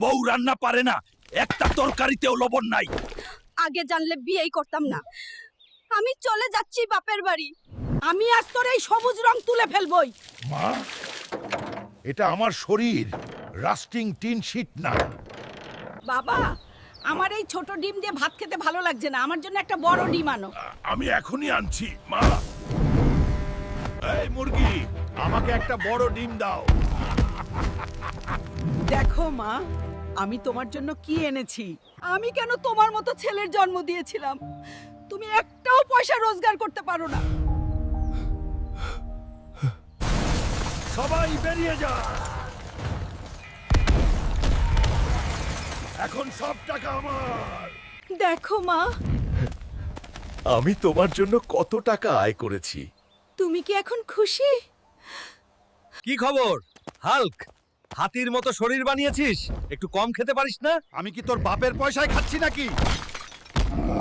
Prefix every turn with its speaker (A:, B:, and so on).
A: বউ রান্না পারে না, একটা তরকারিতেও লবণ নাই।
B: আগে জানলে বিয়েই করতাম না। আমি চলে যাচ্ছি বাপের বাড়ি। আমি আজ তোর এই সবুজ রং তুলে ফেলবই।
A: মা, এটা আমার শরীর, রাস্টিং টিন শীট না।
B: বাবা, আমার এই ছোট ডিম দিয়ে ভাত খেতে ভালো লাগছে না, আমার জন্য একটা বড় ডিম আনো।
A: আমি এখনই আনছি মা। এই মুরগি, আমাকে একটা বড় ডিম দাও।
B: দেখো মা, আমি তোমার জন্য কি এনেছি। আমি কেন তোমার মতো ছেলের জন্ম দিয়েছিলাম? তুমি একটাও পয়সা রোজগার করতে পারো না।
A: সবাই বেরিয়ে যা। এখন সব টাকা আমার।
B: দেখো মা,
A: আমি তোমার জন্য কত টাকা আয় করেছি।
B: তুমি কি এখন খুশি?
C: কি খবর হাল্ক? হাতির মতো শরীর বানিয়েছিস, একটু কম খেতে পারিস না?
A: আমি কি তোর বাপের পয়সায় খাচ্ছি নাকি?